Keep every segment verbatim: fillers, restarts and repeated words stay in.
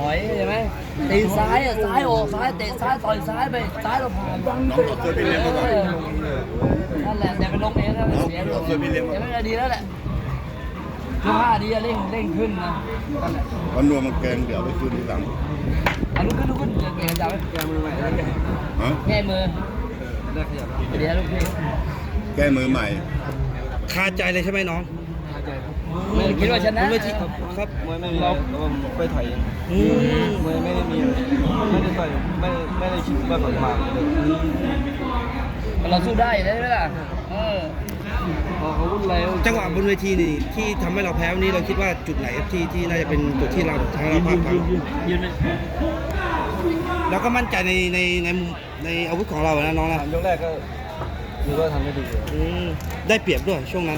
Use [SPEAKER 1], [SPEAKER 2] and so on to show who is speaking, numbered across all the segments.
[SPEAKER 1] อยใช่ไหมตีซ้ายอ่ะซ้ายออกซ้ายเตะซ้ายต่อยซ้ายไปซ้ายเราผ่าน
[SPEAKER 2] น้องต่อเสื้อพี่เลี้ยงมาก่อน
[SPEAKER 1] นั่นแหละแต่ไปลงเองนะเสีย
[SPEAKER 2] ต่อเสื้อพี่เลี้ยงมา
[SPEAKER 1] แต่ไม่ได้ดีแล้วแหละยกห้าดีเร่งเร่งขึ้นนะนั่นแหละ
[SPEAKER 2] วันนัวมันแกงเดี๋ยวไปคืนที่หลัง
[SPEAKER 1] อันนู้นขึ้นนู้นขึ้นเก่งจังไหม
[SPEAKER 3] แกมือใหม่ได้แก
[SPEAKER 2] ฮะ
[SPEAKER 1] แก้มือ
[SPEAKER 3] ได้ขยับ
[SPEAKER 1] เดี๋ยวลูกพี่
[SPEAKER 2] แก้มือใหม่
[SPEAKER 4] คาใจเลยใช่ไหมน้อง
[SPEAKER 3] หายใจครับ
[SPEAKER 1] ไม่คิดว่าชนะ
[SPEAKER 4] ไม่คิด
[SPEAKER 3] ครับมวยไม่มีอะไรแต่ว่าไปถ่ายเอง
[SPEAKER 4] อืม
[SPEAKER 3] มวยไม่ได้มีไม่ได้ต่อยไม่ไม่ได้คิดว่าผมมาเลย
[SPEAKER 1] เราสู้ได้ได้ไหมล่ะเออ
[SPEAKER 3] พอเขาวุ่นวาย
[SPEAKER 4] จังหวะบนเวทีนี่ที่ทำให้เราแพ้วันนี้เราคิดว่าจุดไหนครับที่ที่น่าจะเป็นจุดที่เราทางเราพลาดพลั้ง
[SPEAKER 1] ยืนเลย
[SPEAKER 4] เราก็มั่นใจในในในในอาวุธของเรานะน้องนะ
[SPEAKER 3] สามยกแรกก็ถือว่าทำได้ดีเลย
[SPEAKER 4] อืมได้เปรียบด้วยช่วงนั้น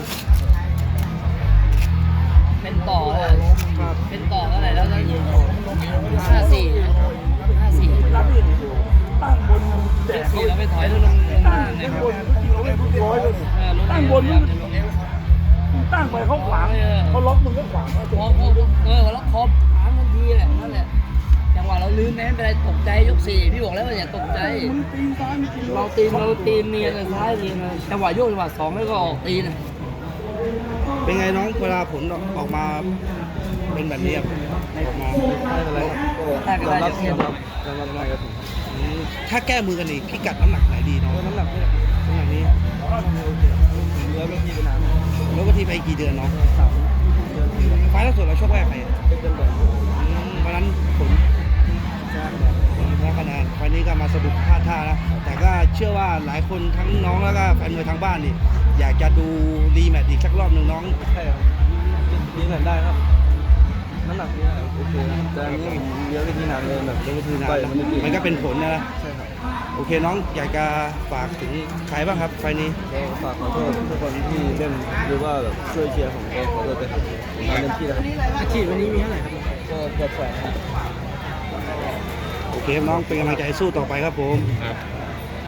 [SPEAKER 1] เป็นต่อเลยเป็นต่อเท่าไหร่แล้วก็ยืนห้าสี่ห้าสี่ตั้งบนแจกสี่เราไปถอยลงลงล่างเลยครับตั้งบนมึงตั้งไปเขาขวางเขาล็อกมึงก็ขวางพอพอเออล็อกคอขวางทันทีแหละนั่นแหละจังหวะเราลืมแม้เป็นไรตกใจยกสี่พี่บอกแล้วว่าอย่าตกใจเราตีนเราตีนเนียนซ้ายเนียนจังหวะโยกจังหวะสองแล้วก็ออกตีน
[SPEAKER 4] เป็นไงน้องเวลาผลออกมาเป็นแบบนี้ครับออกมา
[SPEAKER 3] ไม่เป็นไรครับก็ยอมรับยอมรับยอมรับง่ายก็ถูก
[SPEAKER 4] อืมถ้าแก้มือกันอีกพิกัดน้ำหนักไหนดีน้อง
[SPEAKER 3] น้ำหนักนี่
[SPEAKER 4] น้ำหนักนี้
[SPEAKER 3] เนื้อไม่ที่เป็นน้ำ
[SPEAKER 4] แล้วก็ที่ไปกี่เดือนน้อง
[SPEAKER 3] สามเดือนที่
[SPEAKER 4] ไฟล์ล่าสุดเราชกแรกใคร
[SPEAKER 3] เป็นเดือนแบบ
[SPEAKER 4] อืมวันนั้นผล
[SPEAKER 3] ชนะ
[SPEAKER 4] แพ้คะแนนไฟล์นี้ก็มาสะดุดพลาดท่านะแต่ก็เชื่อว่าหลายคนทั้งน้องแล้วก็แฟนมวยทางบ้านนี่อยากจะดูรีแมตช์อีกสักรอบหนึ่งน้อง
[SPEAKER 3] ใช่ครับดีเหมือนได้ครับน้ำหนักนี่โอเคแต่อันนี้ผมเลี้ยวไปที่นานเลยแบบเลี้ยวไปที่
[SPEAKER 4] คือนาน
[SPEAKER 3] ต่อย
[SPEAKER 4] นะ
[SPEAKER 3] มันไม่ดี
[SPEAKER 4] มันก็เป็นผลนะนะ
[SPEAKER 3] ใช่ครับ
[SPEAKER 4] โอเคน้องอยากจะฝากถึงใครบ้างครับไฟล์นี้
[SPEAKER 3] ก็ฝากขอโทษทุกคนที่เล่นหรือว่าแบบช่วยเชียร์ผมก็ขอโทษด้วยครับผมทำเต็มที่แล้วครับ
[SPEAKER 1] อาชีพวันนี้มีเท่าไหร่ครับ
[SPEAKER 3] ก็เกือบแสนครับ
[SPEAKER 4] โอเคครับน้องเป็นกำลังใจสู้ต่อไปครับผม
[SPEAKER 2] ครับ
[SPEAKER 4] ค